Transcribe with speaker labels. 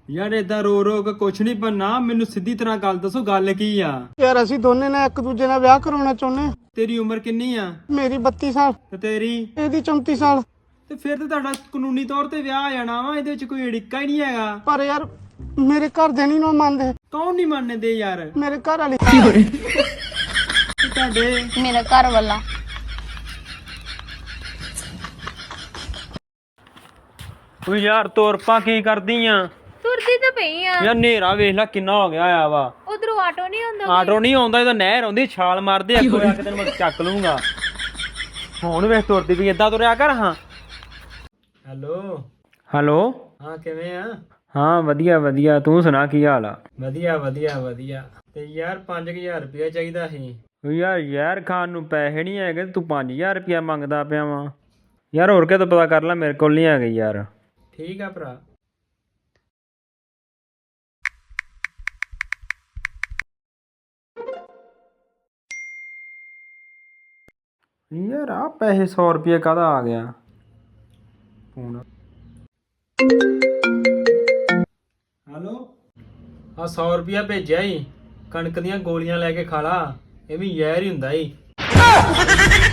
Speaker 1: ਯਾਰ ਏਦਾਂ ਰੋ ਰੋ ਕੇ ਕੁਛ ਨਹੀਂ ਬਣਨਾ। ਮੈਨੂੰ ਸਿੱਧੀ ਤਰ੍ਹਾਂ ਗੱਲ ਦੱਸੋ, ਗੱਲ ਕੀ ਆ?
Speaker 2: ਯਾਰ ਅਸੀਂ ਦੋਨੇ ਨੇ ਇੱਕ ਦੂਜੇ ਨਾਲ ਵਿਆਹ ਕਰਾਉਣਾ ਚਾਹੁੰਦੇ।
Speaker 1: ਤੇਰੀ ਉਮਰ ਕਿੰਨੀ ਆ?
Speaker 2: ਮੇਰੀ 32 ਸਾਲ
Speaker 1: ਤੇ ਤੇਰੀ?
Speaker 2: ਇਹਦੀ 34 ਸਾਲ।
Speaker 1: ਤੇ ਫਿਰ ਤੇ ਤੁਹਾਡਾ ਕਾਨੂੰਨੀ ਤੌਰ ਤੇ ਵਿਆਹ ਆ ਜਾਣਾ ਵਾ। ਇਹਦੇ ਵਿੱਚ ਕੋਈ ਅੜਿੱਕਾ ਹੀ ਨਹੀਂ ਹੈਗਾ।
Speaker 2: ਪਰ ਯਾਰ ਮੇਰੇ ਘਰ ਦੇ ਨਹੀਂ ਮੰਨਦੇ।
Speaker 1: ਕੌਣ ਨਹੀਂ ਮੰਨਦੇ ਯਾਰ?
Speaker 2: ਮੇਰੇ ਘਰ ਵਾਲੀ।
Speaker 1: ਤੁਹਾਡੇ
Speaker 3: ਮੇਰਾ ਘਰ ਵਾਲਾ।
Speaker 1: ਓ ਯਾਰ ਤੋਰਪਾ ਕੀ ਕਰਦੀ ਆ?
Speaker 3: ਤੁਰਦੀ ਤਾਂ ਪਈ ਆ।
Speaker 1: ਯਾਰ ਹਨੇਰਾ ਵੇਖ ਲੈ ਕਿੰਨਾ ਹੋ ਗਿਆ ਆ ਵਾ।
Speaker 3: ਉਧਰੋਂ ਆਟੋ ਨਹੀਂ ਆਉਂਦਾ।
Speaker 1: ਆਟੋ ਨਹੀਂ ਆਉਂਦਾ, ਇਹਦਾ ਨਹਿਰ ਆਉਂਦੀ, ਛਾਲ ਮਾਰਦੇ ਅੱਗੋਂ ਆ ਕੇ ਤੈਨੂੰ ਮੈਂ ਚੱਕ ਲੂੰਗਾ। ਹੁਣ ਵੇਖ ਤੁਰਦੀ ਵੀ ਏਦਾਂ ਤੁਰਿਆ ਕਰ। ਹਾਂ ਹੈਲੋ ਹੈਲੋ। ਹਾਂ ਕਿਵੇਂ ਆ? ਹਾਂ ਵਧੀਆ ਵਧੀਆ, ਤੂੰ ਸੁਣਾ ਕੀ ਹਾਲ ਆ? ਵਧੀਆ ਵਧੀਆ ਵਧੀਆ। ਤੇ ਯਾਰ 5000 ਰੁਪਇਆ ਚਾਹੀਦਾ ਸੀ। ਯਾਰ ਖਾਣ ਨੂੰ ਪੈਸੇ ਨਹੀਂ ਹੈਗੇ, ਤੂੰ 5000 ਰੁਪਇਆ ਮੰਗਦਾ ਪਿਆ ਵਾ। ਯਾਰ ਹੋਰ ਕਿਤੋਂ ਪਤਾ ਕਰ ਲੈ, ਮੇਰੇ ਕੋਲ ਨਹੀਂ ਹੈਗੇ ਯਾਰ। ਠੀਕ ਆ ਭਰਾ। ਯਾਰ ਆ ਪੈਸੇ 100 ਰੁਪਏ ਕਾਹਦਾ ਆ ਗਿਆ ਫੋਨ? ਹੈਲੋ ਆ 100 ਰੁਪਇਆ ਭੇਜਿਆ ਈ, ਕਣਕ ਦੀਆਂ ਗੋਲੀਆਂ ਲੈ ਕੇ ਖਾ ਲਾ। ਇਹ ਵੀ ਜ਼ਹਿਰ ਹੀ ਹੁੰਦਾ ਈ।